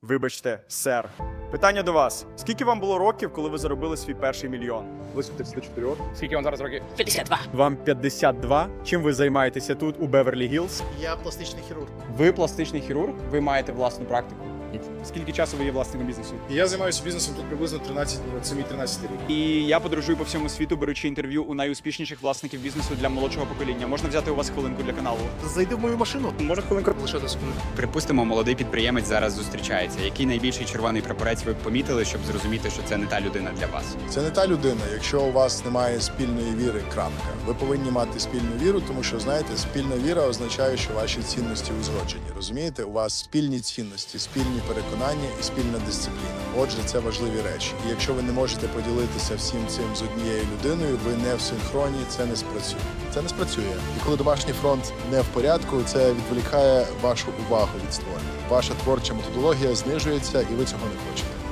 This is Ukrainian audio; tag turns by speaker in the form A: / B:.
A: Вибачте, сер. Питання до вас. Скільки вам було років, коли ви заробили свій перший мільйон?
B: Близько 34.
C: Скільки вам зараз років?
D: 52.
A: Вам 52. Чим ви займаєтеся тут, у Беверлі-Гілз?
D: Я пластичний хірург.
C: Ви пластичний хірург, ви маєте власну практику. Скільки часу ви є власником бізнесу?
B: Я займаюся бізнесом тут приблизно 7-13 рік.
C: І я подорожую по всьому світу, беручи інтерв'ю у найуспішніших власників бізнесу для молодшого покоління. Можна взяти у вас хвилинку для каналу?
D: Зайди в мою машину.
C: Може хвилинку?
D: Лише секунду.
E: Припустимо, молодий підприємець зараз зустрічається. Який найбільший червоний прапорець ви б помітили, щоб зрозуміти, що це не та людина для вас?
F: Це не та людина, якщо у вас немає спільної віри, крапка. Ви повинні мати спільну віру, тому що, знаєте, спільна віра означає, що ваші цінності узгоджені. Розумієте, у вас спільні цінності, спільні переконання і спільна дисципліна. Отже, це важливі речі. І якщо ви не можете поділитися всім цим з однією людиною, ви не в синхроні, це не спрацює. Це не спрацює. І коли домашній фронт не в порядку, це відволікає вашу увагу від створення. Ваша творча методологія знижується, і ви цього не хочете.